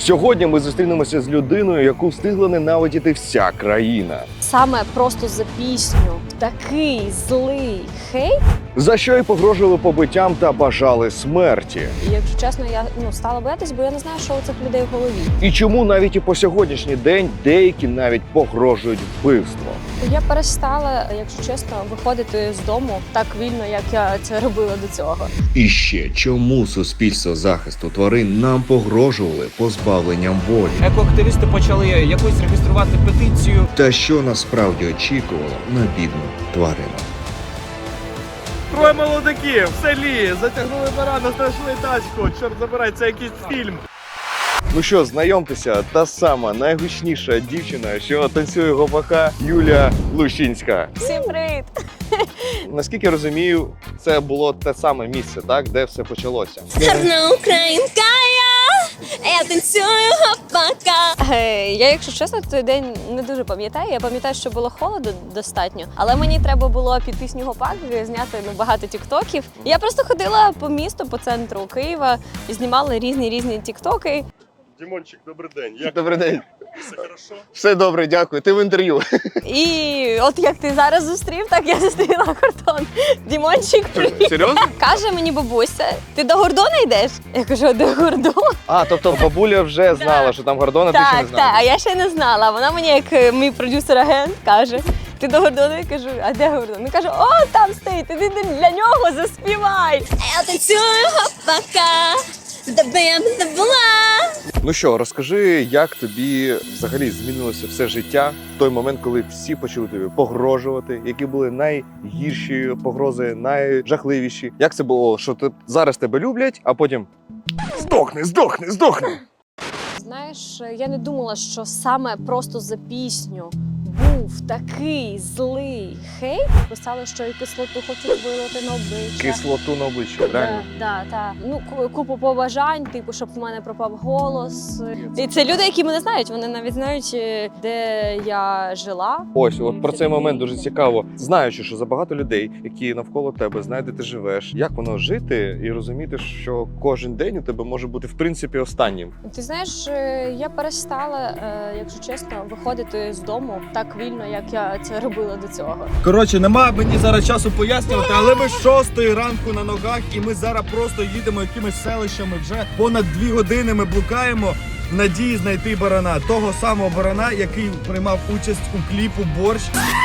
Сьогодні ми зустрінемося з людиною, яку встигла ненавидіти вся країна. Саме просто за пісню такий злий хейт. За що й погрожували побиттям та бажали смерті. І, якщо чесно, я стала боятись, бо я не знаю, що у цих людей в голові. І чому навіть і по сьогоднішній день деякі навіть погрожують вбивством. Я перестала, якщо чесно, виходити з дому так вільно, як я це робила до цього. І ще чому суспільство захисту тварин нам погрожували позбавленням волі? Екоактивісти почали якось реєструвати петицію. Та що насправді очікувало на бідну тварину? Троє молодиків в селі затягнули барана, знайшли тачку. Чорт забирай, це якийсь фільм. Ну що, знайомтеся, та сама найгучніша дівчина, що танцює гопака, Юлія Лущинська. Всім привіт! Наскільки я розумію, це було те саме місце, так, де все почалося. Гарна українка я танцюю гопака. Я, якщо чесно, той день не дуже пам'ятаю. Я пам'ятаю, що було холодно достатньо, але мені треба було під пісню «Гопак» зняти багато тіктоків. Я просто ходила по місту, по центру Києва і знімала різні тіктоки. Дімончик, добрий день. Добрий день. Все хорошо? Все добре, дякую. Ти в інтерв'ю. І от як ти зараз зустрів, так я зустріла кордон. Дімончик, привіт. Серйозно? Каже мені бабуся, ти до Гордона йдеш? Я кажу, до Гордона? А, тобто бабуля вже знала, що там Гордон, а ти ще не Так, знала. а я ще не знала. Вона мені, як мій продюсер-агент, каже, ти до Гордона? Я кажу, а де Гордон? Він каже, о, там стоїть, ти для нього заспівай. Я танцюю гопака, де б я не була. Ну що, розкажи, як тобі взагалі змінилося все життя в той момент, коли всі почали тобі погрожувати, які були найгірші погрози, найжахливіші. Як це було, що зараз тебе люблять, а потім здохни. Знаєш, я не думала, що саме просто за пісню був такий злий хейт. Писали, що і кислоту хочуть вилити на обличчя. Кислоту на обличчя, реально. Так. Ну, купу побажань, типу, щоб в мене пропав голос. І це люди, які мене знають. Вони навіть знають, де я жила. Ось, от про цей момент дуже цікаво. Знаючи, що забагато людей, які навколо тебе, знають, де ти живеш, як воно жити і розуміти, що кожен день у тебе може бути в принципі останнім. Ти знаєш, я перестала, якщо чесно, виходити з дому так вільно, як я це робила до цього. Коротше, немає мені зараз часу пояснювати, але ми з 6 ранку на ногах і ми зараз просто їдемо якимись селищами. Вже понад 2 години ми блукаємо в надії знайти барана. Того самого барана, який приймав участь у кліпу «Борщ».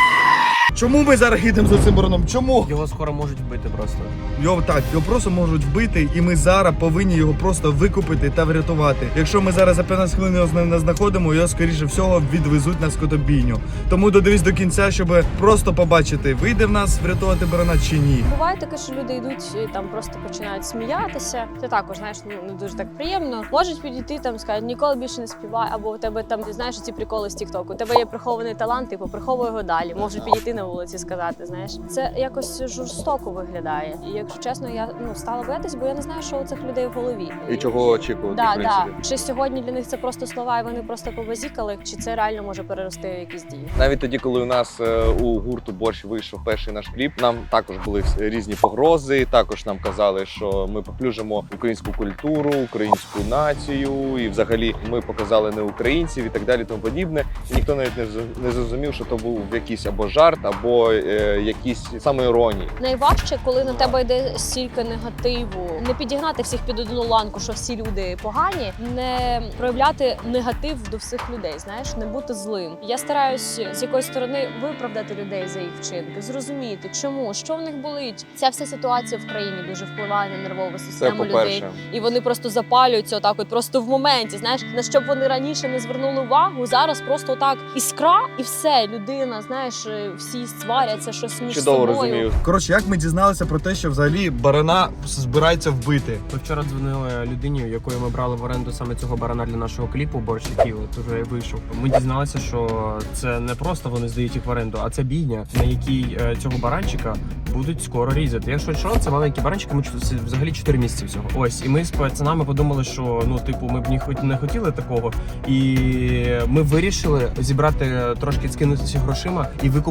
Чому ми зараз їдемо за цим бараном? Чому? Його скоро можуть вбити просто. Його просто можуть вбити, і ми зараз повинні його просто викупити та врятувати. Якщо ми зараз за 15 хвилин його не знаходимо, його скоріше всього відвезуть на скотобійню. Тому додивись до кінця, щоб просто побачити, вийде в нас врятувати барана чи ні. Буває таке, що люди йдуть і там просто починають сміятися. Це також, знаєш, не дуже так приємно. Можуть підійти там, сказати, ніколи більше не співай, або у тебе там, знаєш, ці приколи з Тіктоку. У тебе є прихований талант, типу, приховуй його далі. Можуть підійти на вулиці сказати, знаєш. Це якось жорстоко виглядає. І якщо чесно, я стала боятись, бо я не знаю, що у цих людей в голові. І чого очікувати, в принципі. Чи сьогодні для них це просто слова, і вони просто побазікали, чи це реально може перерости в якісь дії? Навіть тоді, коли у нас у гурту «Борщ» вийшов перший наш кліп, нам також були різні погрози, також нам казали, що ми поплюжимо українську культуру, українську націю, і взагалі ми показали не українців і так далі, тому подібне. І ніхто навіть не зрозумів, що то був якийсь або жарт, або якісь самоіронії. Найважче, коли на тебе йде стільки негативу, не підігнати всіх під одну ланку, що всі люди погані, не проявляти негатив до всіх людей, знаєш, не бути злим. Я стараюсь з якоїсь сторони виправдати людей за їх вчинки, зрозуміти, чому, що в них болить. Ця вся ситуація в країні дуже впливає на нервову Це систему людей. по-перше. І вони просто запалюються отак, от просто в моменті. Знаєш, на що б вони раніше не звернули увагу, зараз просто так іскра, і все, людина, знаєш, всі сваряться, щось між Чудово собою. розумію. Коротше, як ми дізналися про те, що взагалі барана збирається вбити? Ми вчора дзвонили людині, якою ми брали в оренду саме цього барана для нашого кліпу «Борщ», який от уже вийшов. Ми дізналися, що це не просто вони здають їх в оренду, а це бійня, на якій цього баранчика будуть скоро різати. Якщо що, це маленькі баранчики, ми взагалі 4 місяці всього. Ось, і ми з пацанами подумали, що ми б не хотіли такого. І ми вирішили зібрати трошки, скинутися грошима і викупити його.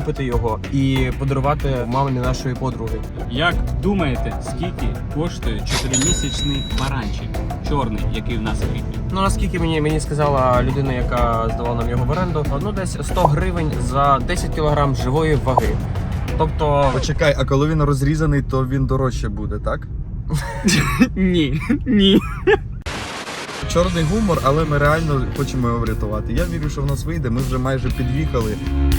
його і подарувати мамі нашої подруги. Як думаєте, скільки коштує 4-місячний баранчик чорний, який в нас в кліпі? Ну наскільки мені сказала людина, яка здавала нам його в оренду, ну десь 100 гривень за 10 кг живої ваги. Тобто, Почекай, а коли він розрізаний, то він дорожче буде, так? Ні. Чорний гумор, але ми реально хочемо його врятувати. Я вірю, що в нас вийде, ми вже майже під'їхали.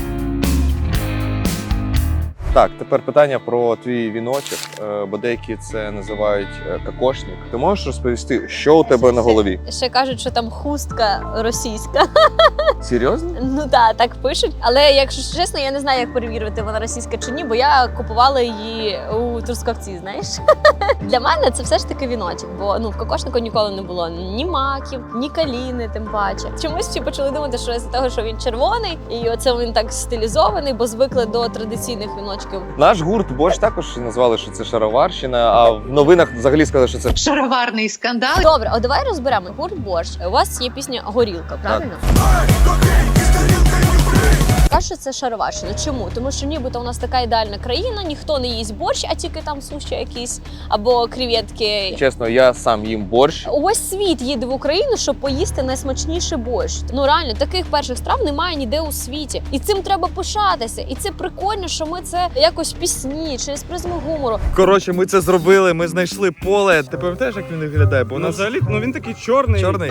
Так, тепер питання про твій віночок, бо деякі це називають кокошник. Ти можеш розповісти, що у тебе на голові? Ще кажуть, що там хустка російська. Серйозно? Ну так пишуть. Але якщо чесно, я не знаю, як перевірити, вона російська чи ні, бо я купувала її у Трускавці, знаєш. Для мене це все ж таки віночок, бо в кокошнику ніколи не було ні маків, ні каліни, тим паче. Чомусь всі почали думати, що з-за того, що він червоний, і оце він так стилізований, бо звикли до традиційних віночків. Наш гурт Борщ також назвали, що це шароварщина, а в новинах взагалі сказали, що це Шароварний скандал. Добре, а давай розберемо. Гурт Борщ. У вас є пісня Горілка, правильно? Кажуть, що це шароварщина. Чому? Тому що нібито у нас така ідеальна країна, ніхто не їсть борщ, а тільки там суші якісь або креветки. чесно, я сам їм борщ. Увесь світ їде в Україну, щоб поїсти найсмачніший борщ. Ну реально, таких перших страв немає ніде у світі. І цим треба пишатися. І це прикольно, що ми це якось в пісні, через призму гумору. Коротше, ми це зробили, ми знайшли поле. Ти пам'ятаєш, як він виглядає? Бо у нас взагалі, він такий чорний. чорний.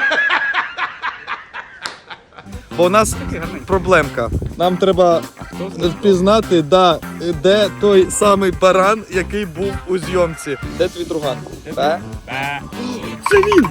Бо у нас проблемка. Нам треба впізнати, де той самий баран, який був у зйомці. Де твій друган? Це він!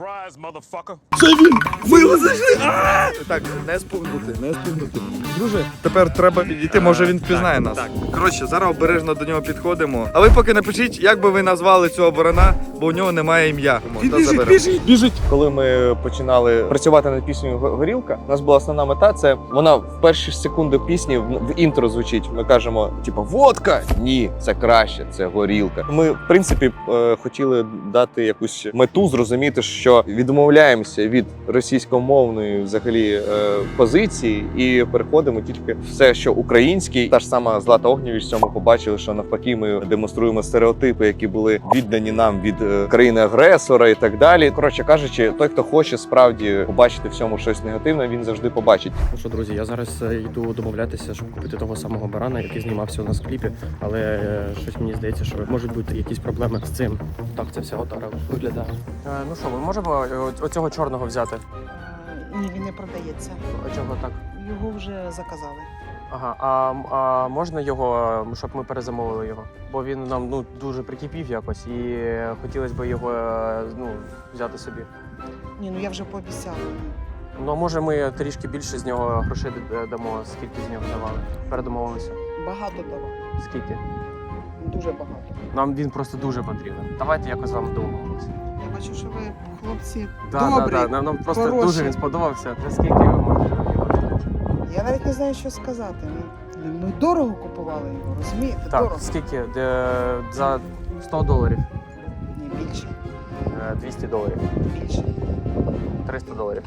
Це він! Ми його знайшли! Так, не спугнути. Друже, тепер треба підійти, може він впізнає нас. Коротше, зараз обережно до нього підходимо. А ви поки напишіть, як би ви назвали цього барана, бо у нього немає ім'я. Біжить! Коли ми починали працювати над піснею Горілка, у нас була основна мета. Це вона в перші секунди пісні в інтро звучить. Ми кажемо, типу, водка. Ні, це краще, це горілка. Ми, в принципі, хотіли дати якусь мету, зрозуміти, що відмовляємося від російськомовної взагалі позиції і переходимо тільки все, що українське. Та ж сама Злата Огнєвіч в цьому побачили, що навпаки ми демонструємо стереотипи, які були віддані нам від країни-агресора і так далі. Коротше кажучи, той, хто хоче справді побачити в цьому щось негативне, він завжди побачить. Ну що, друзі, я зараз йду домовлятися, щоб купити того самого барана, який знімався у нас в кліпі, але щось мені здається, що можуть бути якісь проблеми з цим. Так, це все отара виглядає. Ну що, ми можемо оцього чорного взяти? Ні, він не продається. А чого так? Його вже заказали. Ага, а можна його, щоб ми перезамовили його? Бо він нам дуже прикипів якось і хотілося б його взяти собі. Ні, ну я вже пообіцяла. Ну, а може ми трішки більше з нього грошей дамо, скільки з нього давали? Передомовилися. Багато дала. Скільки? Дуже багато. Нам він просто дуже потрібен. Давайте якось з вами домовимося. Я бачу, що ви хлопці Да. добрі. Нам просто хороші. дуже він сподобався. Та скільки ви можете його? Я навіть не знаю, що сказати. Ми дорого купували його, розумієте? Так, Дорого. скільки? За $100. Ні, більше. $200. Більше. $300.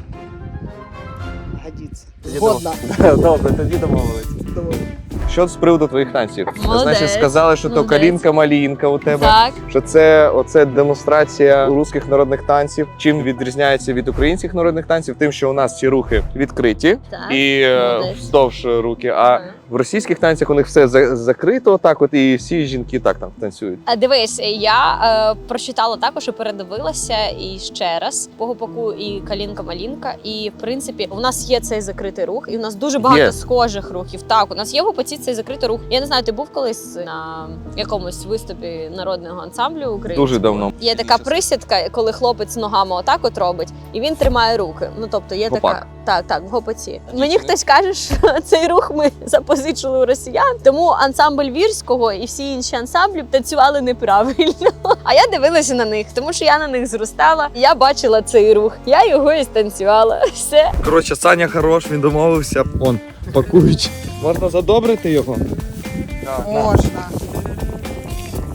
Годиться. Тоді Згодна. Добре, тоді домовились. Що з приводу твоїх танців? Молодець. Значить, сказали, що то Молодець. калінка-малінка у тебе. Так. Що це демонстрація русських народних танців. Чим відрізняється від українських народних танців? Тим, що у нас ці рухи відкриті Так. і Молодець. вздовж руки. А в російських танцях у них все закрито, так от і всі жінки так там танцюють. Дивись, я прочитала також і передивилася і ще раз Погопаку і Калінка-Малінка. І в принципі, у нас є цей закритий рух, і у нас дуже багато Є. схожих рухів. Так, у нас є в Гопаці цей закритий рух. Я не знаю, ти був колись на якомусь виступі народного ансамблю українського? Дуже давно. Є така присідка, коли хлопець ногами отак от робить, і він тримає руки. Ну тобто є Гопак. така так, в гопаці. Мені хтось каже, що цей рух ми запозичили у росіян, тому ансамбль Вірського і всі інші ансамблі танцювали неправильно. А я дивилася на них, тому що я на них зростала. Я бачила цей рух, я його і станцювала. Все. Коротше, Саня хорош, він домовився. Он, пакують. Можна задобрити його? Можна.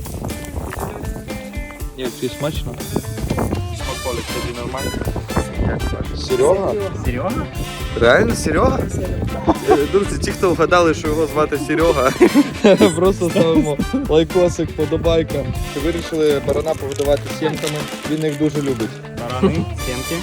Ні, це смачно. Смаколик тобі нормально. Серега? Серйозно? Реально Серега? Друзі, ті, хто вгадали, що його звати Серега, просто ставимо лайкосик, подобайка. Вирішили барана погодувати сімками, він їх дуже любить. Барани, сімки.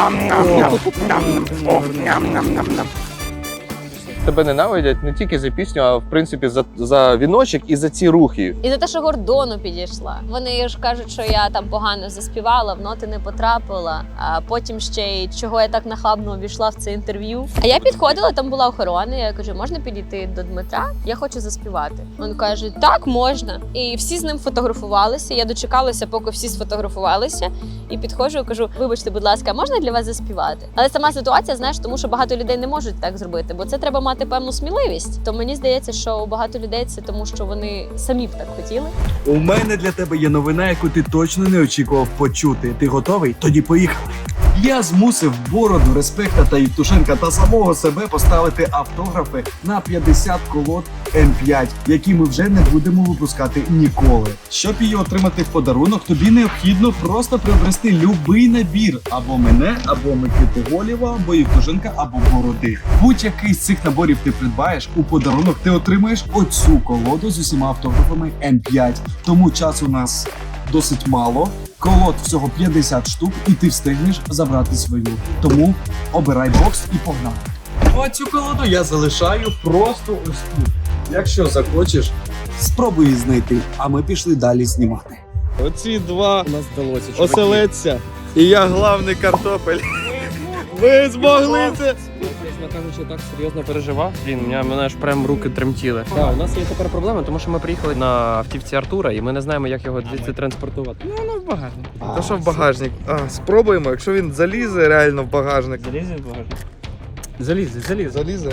Тебе ненавидять не тільки за пісню, а в принципі за віночок і за ці рухи. І за те, що Гордону підійшла. Вони ж кажуть, що я там погано заспівала, в ноти не потрапила. А потім ще й чого я так нахабно увійшла в це інтерв'ю. А я підходила, там була охорона. Я кажу, можна підійти до Дмитра? Я хочу заспівати. Він каже, так, можна. І всі з ним фотографувалися. Я дочекалася, поки всі сфотографувалися. І підходжу і кажу, вибачте, будь ласка, а можна для вас заспівати? Але сама ситуація, знаєш, тому що багато людей не можуть так зробити, бо це треба мати певну сміливість. То мені здається, що у багато людей це тому, що вони самі б так хотіли. У мене для тебе є новина, яку ти точно не очікував почути. Ти готовий? Тоді поїхали. Я змусив Бороду, Респекта та Євтушенка та самого себе поставити автографи на 50 колод М5, які ми вже не будемо випускати ніколи. Щоб її отримати в подарунок, тобі необхідно просто приобрести любий набір або мене, або Микити Голєва, або Євтушенка, або Бороди. Будь-який з цих наборів ти придбаєш, у подарунок ти отримаєш оцю колоду з усіма автографами М5. Тому часу у нас досить мало. Колод всього 50 штук, і ти встигнеш забрати свою. Тому обирай бокс і погнали. Оцю колоду я залишаю просто ось тут. Якщо захочеш, спробуй її знайти, а ми пішли далі знімати. Оці два У нас вдалося. чуваки. оселедця. І я главний картопель. Ви змогли це! Чесно кажучи, так серйозно переживав. Мене аж прям руки тремтіли. Так, у нас є тепер проблема, тому що ми приїхали на автівці Артура, і ми не знаємо, як його звідси транспортувати. Ну, воно в багажник. Та що в багажник? Спробуємо, якщо він залізе реально в багажник. Залізе в багажник? Залізе. Залізе.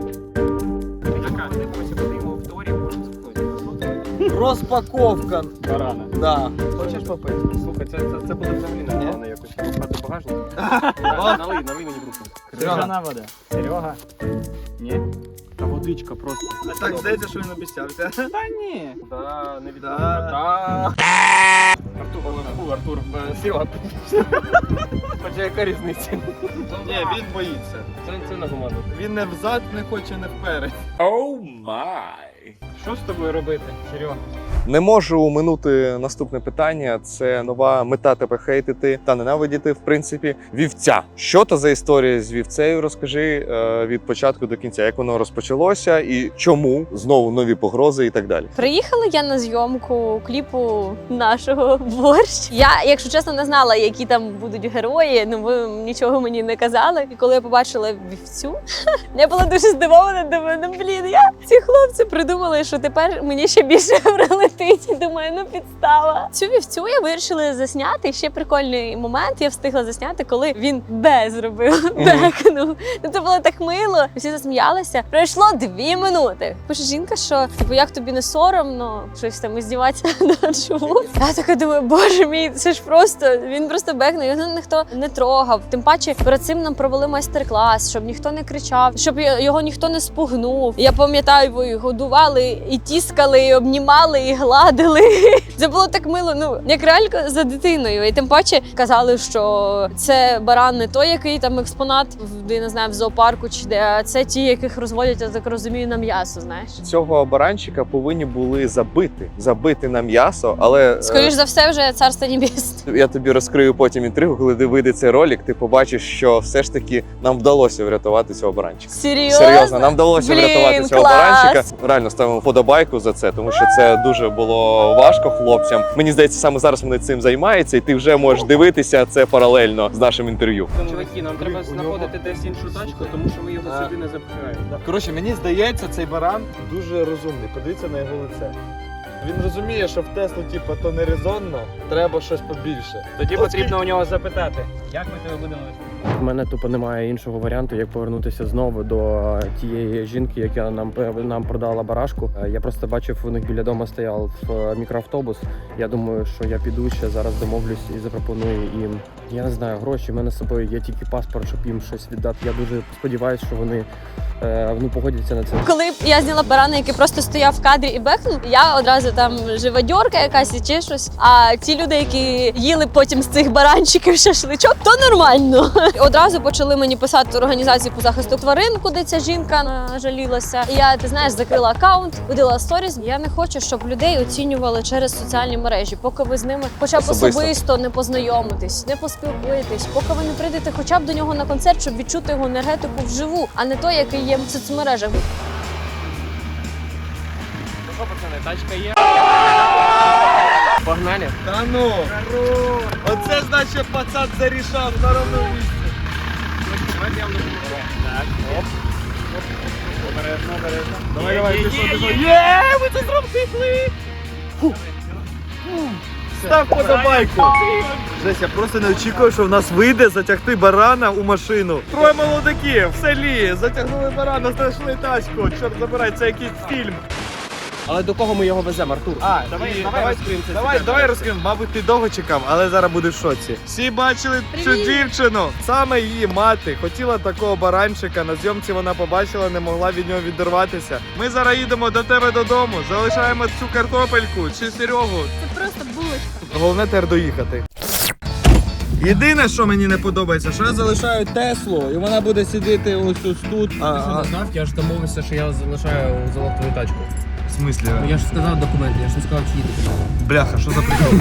Розпаковка. Барана. Да. Хочеш попити? Слухай, це буде взагалі непогано якось розпати багажник. Налий мені в руку. Крижана вода. Серега. Ні? Та водичка просто. Так здається, що він обіцявся. Та ні. Да, не відомо. Да. Артур, Серега. Хоча яка різниця? Ні, він боїться. Це на команду. Він не взад не хоче, не вперед. Що з тобою робити, Серега? Не можу оминути наступне питання. Це нова мета тебе хейтити та ненавидіти, в принципі, вівця. Що то за історія з вівцею? Розкажи від початку до кінця, як воно розпочалося і чому знову нові погрози і так далі. Приїхала я на зйомку кліпу нашого борщ. Я, якщо чесно, не знала, які там будуть герої. Ну ви нічого мені не казали. І коли я побачила вівцю, я була дуже здивована. Думаю, ну блін, ці хлопці придумали, що тепер мені ще більше прилетить. Думаю, ну підстава. Цю вівцю я вирішила засняти. Ще прикольний момент. Я встигла засняти, коли він зробив. Бекнув. Ну це було так мило. Всі засміялися. Пройшло 2 минути. Пише жінка, що типу, як тобі не соромно щось там здіватися над живот. Я така думаю, боже мій, це ж просто він просто бекнув. Його ніхто не трогав. Тим паче перед цим нам провели майстер-клас, щоб ніхто не кричав, щоб його ніхто не спугнув. Я пам'ятаю, ви годували і тіскали, і обнімали, і гладили. Це було так мило, ну як реально за дитиною. І тим паче казали, що це баран не той, який там експонат не знаю, в зоопарку чи де, а це ті, яких розводять, я так розумію, на м'ясо. Знаєш, Цього баранчика повинні були забити на м'ясо, але скоріш за все, вже царство небесне. я тобі розкрию потім інтригу, коли ти вийде цей ролик, ти побачиш, що все ж таки нам вдалося врятувати цього баранчика. Серйозно? Нам вдалося Блін, врятувати цього клас! баранчика. Реально ставимо вподобайку за це, тому що це дуже було важко хлопцям. Мені здається, саме зараз вони цим займаються, і ти вже можеш дивитися це паралельно з нашим інтерв'ю. Чуваки, нам треба знаходити десь іншу тачку, тому що ми його сюди не запхаємо. Коротше, мені здається, цей баран дуже розумний. Подивіться на його лице. Він розуміє, що в Теслу, типу, то не резонно, треба щось побільше. Тоді потрібно у нього запитати, як ми тебе будемо вести. У мене тупо немає іншого варіанту, як повернутися знову до тієї жінки, яка нам продала барашку. Я просто бачив, у них біля дому стояв мікроавтобус. Я думаю, що я піду ще зараз домовлюсь і запропоную їм. Я не знаю, гроші. У мене з собою є тільки паспорт, щоб їм щось віддати. Я дуже сподіваюся, що вони погодяться на це. Коли я зняла барана, який просто стояв в кадрі і бекнув, я одразу може там живодьорка якась і чи щось. А ті люди, які їли потім з цих баранчиків шашличок, то нормально. Одразу почали мені писати організації по захисту тварин, куди ця жінка жалілася. І я, ти знаєш, закрила аккаунт, видала сторіс. Я не хочу, щоб людей оцінювали через соціальні мережі, поки ви з ними хоча б особисто не познайомитесь, не поспілкуєтесь, поки ви не прийдете хоча б до нього на концерт, щоб відчути його енергетику вживу, а не той, який є в соцмережах. Що, пацани, тачка є? Погнали. Та ну! Оце значить пацан зарішав на ровному місці. Так, оп. Обережно, обережно. Давай, пішов. Є, ви це зробили! Став подобайку! Жесть, я просто не очікував, що в нас вийде затягти барана у машину. Троє молодиків в селі затягнули барана, знайшли тачку. Чорт забирай, це якийсь фільм. Але до кого ми його веземо, Артур? Давай розкриємо. Мабуть, ти довго чекав, але зараз будеш в шоці. Всі бачили цю дівчину. Саме її мати хотіла такого баранчика. На зйомці вона побачила, не могла від нього відірватися. Ми зараз їдемо до тебе додому, залишаємо цю картопельку чи Серегу. Це просто булочка. Головне тепер доїхати. Єдине, що мені не подобається, що я залишаю Теслу, і вона буде сидіти ось тут. Знав, я ж домовився, що я залишаю золоту тачку. В смислі? Я ж сказав документи, я ж не сказав, чи їдете. Бляха, що за прикол?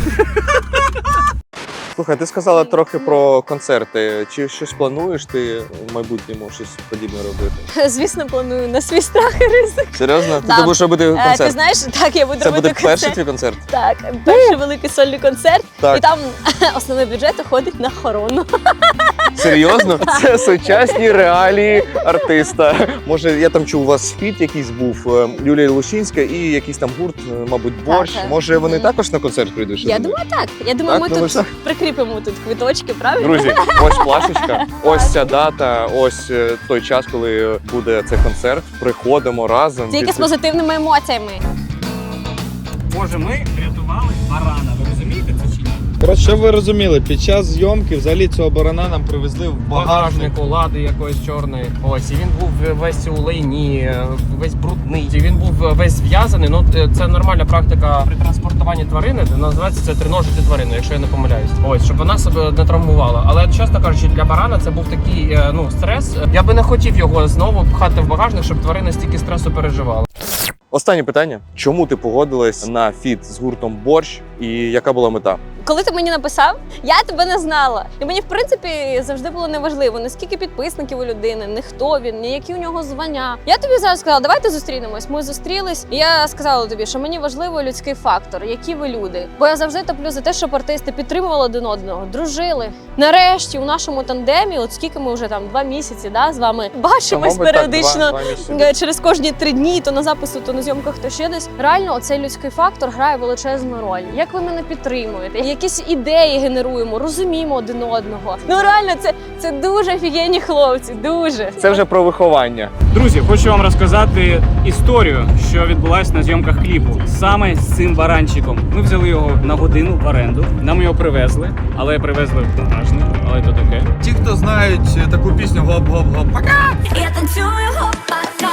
Слухай, ти сказала трохи про концерти. Чи щось плануєш ти в майбутньому щось подібне робити? Звісно, планую на свій страх і ризик. Серйозно? Да. Ти будеш робити концерт? Ти знаєш, так, я буду Це робити буде концерт. перший твій концерт? Так, перший великий сольний концерт. Так. І там основний бюджет уходить на охорону. Серйозно? Це сучасні реалії артиста. Може, я там чув, у вас фіт якийсь був, Юлія Лущинська і якийсь там гурт, мабуть, Борщ. Так. Може, вони Мгм. також на концерт прийдуть? Що Я ти думаю, так. Я думаю, Так? ми Думаєш, тут так? прикріпимо тут квиточки, правильно? Друзі, ось плашечка, ось ця дата, ось той час, коли буде цей концерт. Приходимо разом. Тільки з позитивними емоціями. Боже, ми врятували барана. Ви розумієте це чи ні? Просто щоб ви розуміли, під час зйомки взагалі цього барана нам привезли в багажник. Багажнику, лади якоїсь чорної. Ось, і він був весь у лайні, весь брудний. І він був весь зв'язаний. Ну, це нормальна практика при транспортуванні тварини. Називається це триножити тварину, якщо я не помиляюсь. Ось, щоб вона себе не травмувала. Але, чесно кажучи, для барана це був такий, стрес. Я би не хотів його знову пхати в багажник, щоб тварина стільки стресу переживала. Останнє питання. Чому ти погодилась на фіт з гуртом Борщ і яка була мета? Коли ти мені написав, я тебе не знала. І мені, в принципі, завжди було неважливо, наскільки підписників у людини, не хто він, ні які у нього звання. Я тобі зараз сказала, давайте зустрінемось. Ми зустрілись, і я сказала тобі, що мені важливо людський фактор, які ви люди. Бо я завжди топлю за те, щоб артисти підтримували один одного, дружили. Нарешті у нашому тандемі, от скільки ми вже там 2 місяці, да, з вами бачимось Мабуть, так, періодично. два місяці. Через кожні 3 дні, то на запису, то на зйомках, то ще десь. Реально, оцей людський фактор грає величезну роль. Як ви мене підтримуєте? Якісь ідеї генеруємо, розуміємо один одного. Ну реально, це дуже офігенні хлопці, дуже. Це вже про виховання. Друзі, хочу вам розказати історію, що відбулася на зйомках кліпу. Саме з цим баранчиком. Ми взяли його на годину в оренду. Нам його привезли, але привезли в багажник, але то таке. Ті, хто знають таку пісню «Гоп-гоп-гоп», пока! Я танцюю гопака.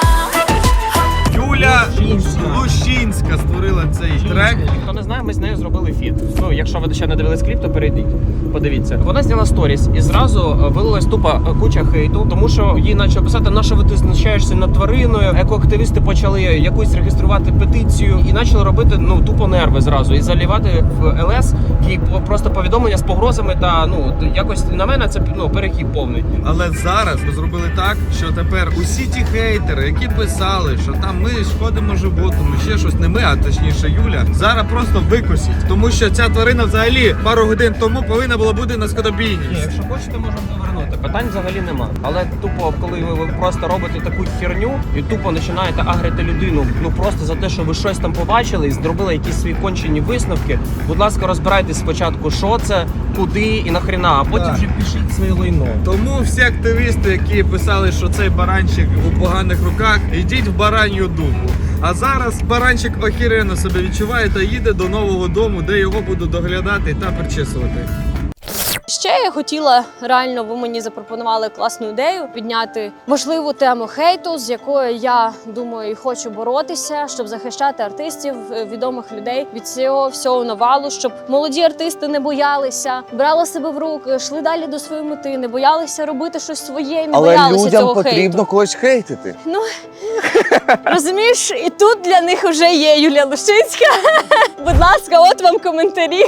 Юля Лущинська створила цей трек. Хто не знає, ми з нею зробили фіт. Ну, якщо ви ще не дивились кліп, то перейдіть, подивіться. Вона зняла сторіс і зразу вилилась тупа куча хейту, тому що їй почали писати, на що ви ти знущаєшся над твариною. Екоактивісти почали якусь реєструвати петицію і почали робити тупо нерви зразу і залівати в ЛС їй просто повідомлення з погрозами та якось на мене це перехід повний. Але зараз ми зробили так, що тепер усі ті хейтери, які писали, що там ми шкодимо животному, ще щось, не ми, а точніше Юля, зараз просто викосять. Тому що ця тварина взагалі пару годин тому повинна була бути на скотобійні. Ні, якщо хочете, можемо повернути. Питань взагалі нема. Але тупо, коли ви просто робите таку херню і тупо починаєте агрити людину, просто за те, що ви щось там побачили і зробили якісь свої кончені висновки, будь ласка, розбирайтесь спочатку, що це, куди і нахрена, а потім вже пишіть своє лайно. Тому всі активісти, які писали, що цей баранчик у поганих руках, йдіть в баранью дупу. А зараз баранчик охеренно себе відчуває та їде до нового дому, де його будуть доглядати та причесувати. Ще я хотіла, реально, ви мені запропонували класну ідею підняти важливу тему хейту, з якою я думаю і хочу боротися, щоб захищати артистів, відомих людей від цього всього навалу, щоб молоді артисти не боялися, брали себе в руки, йшли далі до своєї мети, не боялися робити щось своє і не боялися цього хейту. когось хейтити. Ну, розумієш, і тут для них вже є Юлія Лушинська. Будь ласка, от вам коментарі.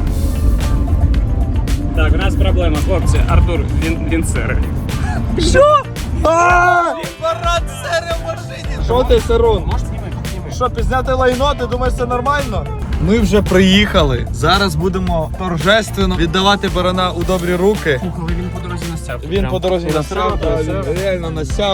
Так, у нас проблема, хлопці. Артур, він серий. Парад серія в машині! Що ти, Сирун? Можеш знімати? Що, пізняти лайно, ти думаєш, це нормально? Ми вже приїхали. Зараз будемо торжественно віддавати барана у добрі руки. Слухай, він по дорозі насяв. Він по дорозі насяв, він реально насяв.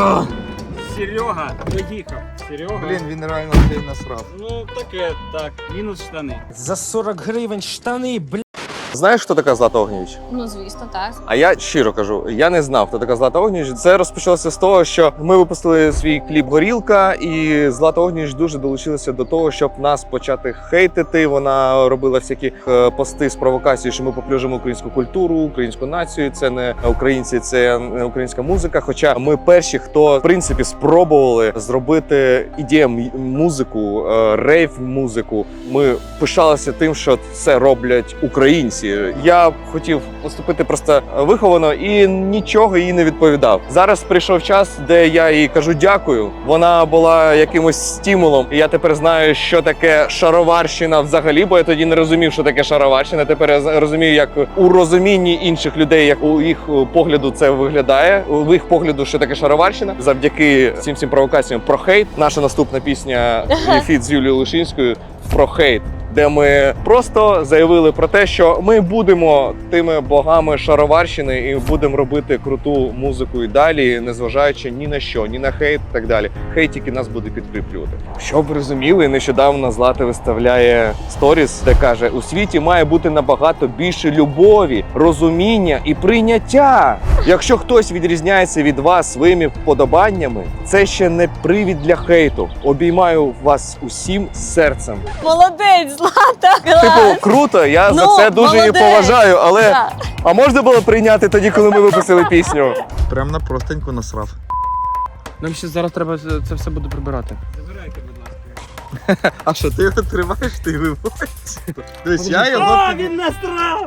Серега доїхав. Серега. Блін, він реально цей насрав. Ну, таке, так. Мінус штани. За 40 гривень штани, блядь. Знаєш, хто така Злата Огнєвіч? Ну, звісно, так. А я щиро кажу, я не знав, хто така Злата Огнєвіч. Це розпочалося з того, що ми випустили свій кліп «Горілка», і Злата Огнєвіч дуже долучилася до того, щоб нас почати хейтити. Вона робила всякі пости з провокацією, що ми поплюжимо українську культуру, українську націю. Це не українці, це не українська музика. Хоча ми перші, хто в принципі спробували зробити EDM музику, рейв-музику. Ми пишалися тим, що це роблять українці. Я хотів поступити просто виховано і нічого їй не відповідав. Зараз прийшов час, де я їй кажу дякую. Вона була якимось стимулом. І я тепер знаю, що таке шароварщина взагалі, бо я тоді не розумів, що таке шароварщина. Тепер я розумію, як у розумінні інших людей, як у їх погляду це виглядає. У їх погляду, що таке шароварщина. Завдяки цим провокаціям про хейт. Наша наступна пісня «Фіт» з Юлією Лушинською про хейт, де ми просто заявили про те, що ми будемо тими богами шароварщини і будемо робити круту музику і далі, незважаючи ні на що, ні на хейт і так далі. Хейт тільки нас буде підкріплювати. Щоб ви розуміли, нещодавно Злата виставляє сторіс, де каже: у світі має бути набагато більше любові, розуміння і прийняття. Якщо хтось відрізняється від вас своїми вподобаннями, це ще не привід для хейту. Обіймаю вас усім серцем. Молодець, Злата! Типу, круто, я за це дуже її молодець. поважаю, але Так. а можна було прийняти тоді, коли ми випустили пісню? Прям на простеньку насрав. Нам ще зараз треба це все буде прибирати. Забирайте, будь ласка. А що, ти його тримаєш, ти виводиш? Дивись, я його А, тобі... він насрав!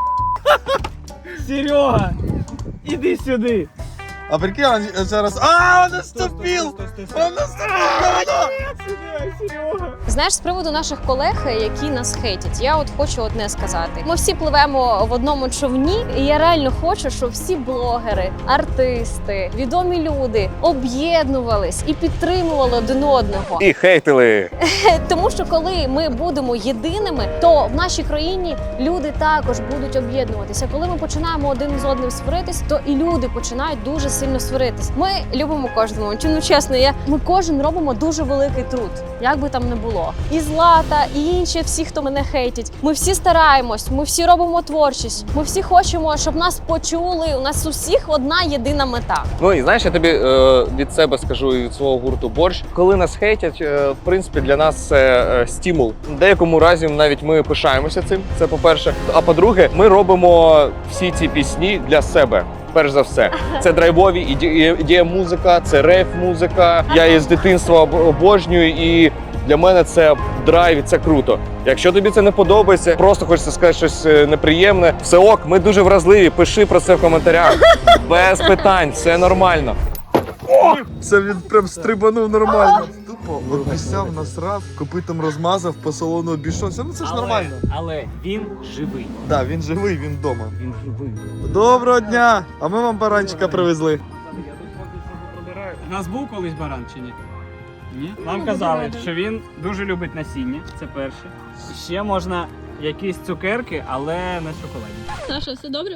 Серега! Іди сюди! А прикинь, он зараз... А, он наступил! Он наступил! Знаєш, з приводу наших колег, які нас хейтять, я от хочу одне сказати. Ми всі пливемо в одному човні, і я реально хочу, щоб всі блогери, артисти, відомі люди об'єднувались і підтримували один одного. І хейтили. Тому що коли ми будемо єдиними, то в нашій країні люди також будуть об'єднуватися. Коли ми починаємо один з одним сваритись, то і люди починають дуже сильно сваритись. Ми любимо кожного. Ну чесно, ми кожен робимо дуже великий труд, як би там не було. І Злата, і інші всі, хто мене хейтять. Ми всі стараємось, ми всі робимо творчість. Ми всі хочемо, щоб нас почули. У нас у всіх одна єдина мета. Ну і знаєш, я тобі від себе скажу і від свого гурту «Борщ». Коли нас хейтять, в принципі, для нас це стимул. В деякому разі навіть ми пишаємося цим, це по-перше. А по-друге, ми робимо всі ці пісні для себе. Перш за все, це драйвові ідея-музика, це рейв-музика. Я її з дитинства обожнюю, і для мене це драйв, і це круто. Якщо тобі це не подобається, просто хочеться сказати щось неприємне, все ок, ми дуже вразливі, пиши про це в коментарях. Без питань, все нормально. Це він прям стрибанув нормально. Тупо обіцяв, насрав, копитом розмазав, по салону обійшовся. Ну це ж нормально. Але він живий. Так, він живий, він вдома. Він живий. Доброго дня! А ми вам баранчика привезли. Я тут поки що прибираю. У нас був колись баран чи ні? Ні? Нам казали, що він дуже любить насіння, це перше. І ще можна якісь цукерки, але не шоколадні. Саша, все добре?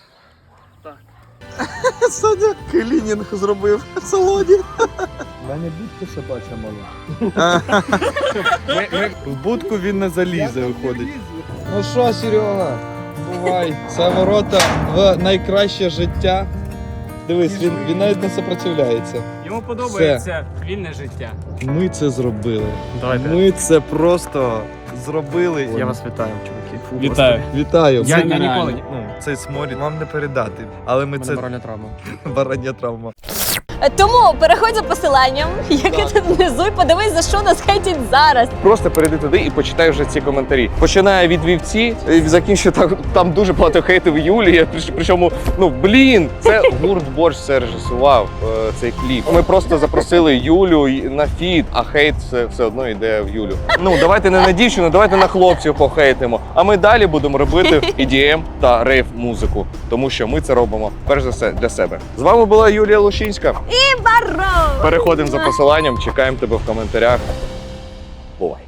Саня клінінг зробив в салоні. Мене будку собача мала. В будку він не залізе, виходить. Ну що, Серега, бувай. Це ворота в найкраще життя. Дивись, він навіть не сопротивляється. Йому подобається вільне життя. Ми це зробили. Давайте. Ми це просто зробили. Я вас вітаю, чуваки. Вітаю. Вітаю. Я нереально. ніколи Цей сморід вам не передати, але ми це баральна травма. барання травма. Тому переходь за посиланням, яке тут внизу, і подивись, за що нас хейтять зараз. Просто перейди туди і почитай вже ці коментарі. Починає від вівці і закінчує там дуже багато хейтів Юлії. Причому, це гурт Борщ все режисував цей кліп. Ми просто запросили Юлю на фіт, а хейт все одно йде в Юлю. Давайте не на дівчину, давайте на хлопців похейтимо. А ми далі будемо робити EDM та рейв музику, тому що ми це робимо перш за все для себе. З вами була Юлія Лущинська. Баро! Переходимо за посиланням, чекаємо тебе в коментарях. Бувай!